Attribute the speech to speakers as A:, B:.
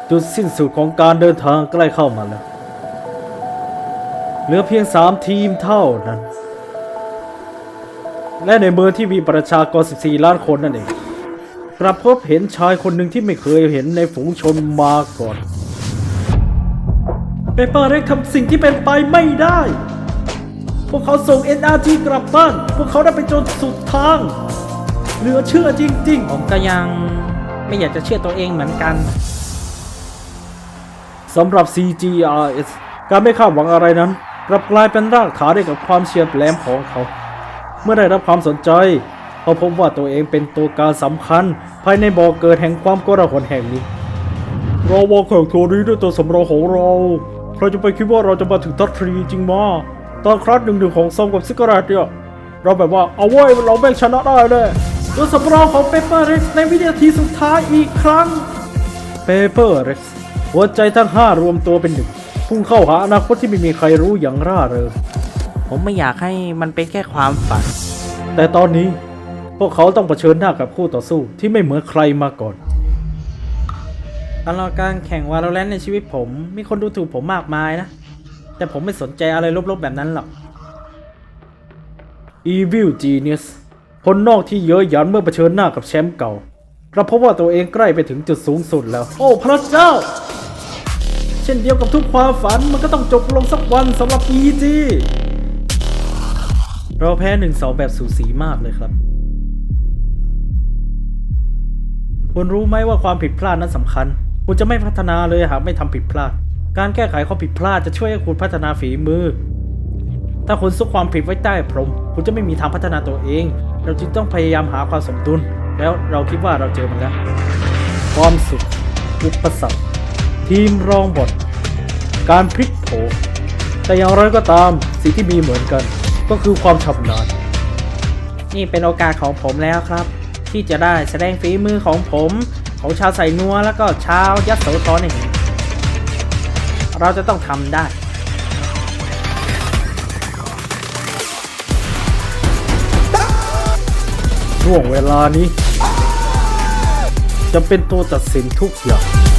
A: จุดสิ้นสุดของการเดินทางใกล้เข้ามาแล้วเหลือเพียง3 ทีมเท่านั้นและในเมืองที่มีประชากร14 ล้านคนนั่นเองกลับพบเห็นชายคนหนึ่งที่ไม่เคยเห็นในฝูงชนมาก่อนเปเปอร์เร็กทำสิ่งที่เป็นไปไม่ได้พวกเขาส่ง NRG กลับบ้านพวกเขาได้ไปจนสุดทางเหลือเชื่อจริงๆ
B: ผมก็ยังไม่อยากจะเชื่อตัวเองเหมือนกัน
A: สำหรับ CGRS การไม่คาดหวังอะไรนั้นกลับกลายเป็นรากฐานให้กับความเฉียบแหลมของเขาเมื่อได้รับความสนใจเขาพบว่าตัวเองเป็นตัวการสำคัญภายในบ่อเกิดแห่งความโกลาหลแห่งนี้เราวางแข่งตัวนี้ด้วยตัวสำรองของเราใครจะไปคิดว่าเราจะมาถึงท็อป3จริงมาตอนครั้ง1-1ของซอมกับซิกเกอร์เนี่ยเราแบบว่าเอาไว้เราแม่งชนะได้เลยตัวสำรองของเปเปอร์เร็กซ์ในวินาทีสุดท้ายอีกครั้งเปเปอร์เร็กซ์หัวใจทั้ง5รวมตัวเป็นหนึ่งพุ่งเข้าหาอนาคตที่ไม่มีใครรู้อย่างร่าเริง
B: ผมไม่อยากให้มันเป็นแค่ความฝัน
A: แต่ตอนนี้พวกเขาต้องเผชิญหน้ากับคู่ต่อสู้ที่ไม่เหมือนใครมาก่อน
B: ตลอดการแข่ง Valorant ในชีวิตผมมีคนดูถูกผมมากมายนะแต่ผมไม่สนใจอะไรลบๆแบบนั้นหรอก
A: Evil Genius คนนอกที่เย้ยหยันเมื่อเผชิญหน้ากับแชมป์เก่ากลับพบว่าตัวเองใกล้ไปถึงจุดสูงสุดแล้วโอ้พระเจ้าเช่นเดียวกับทุกความฝันมันก็ต้องจบลงสักวันสำหรับ EG เราแพ้ 1-2 แบบสูสีมากเลยครับคุณรู้ไหมว่าความผิดพลาดนั้นสำคัญคุณจะไม่พัฒนาเลยหากไม่ทำผิดพลาดการแก้ไขข้อผิดพลาดจะช่วยให้คุณพัฒนาฝีมือถ้าคุณซุกความผิดไว้ใต้พรมคุณจะไม่มีทางพัฒนาตัวเองเราจึงต้องพยายามหาความสมดุลแล้วเราคิดว่าเราเจอมันแล้วความสุขอุปสรรคทีมรองบทการพลิกโผแต่อย่างไรก็ตามสิ่งที่มีเหมือนกันก็คือความชำนาญ
B: นี่เป็นโอกาสของผมแล้วครับที่จะได้แสดงฝีมือของผมของชาวไสนัวแล้วก็ชาวยโสธรนี่เราจะต้องทำได้
A: ช่วงเวลานี้จะเป็นตัวตัดสินทุกอย่าง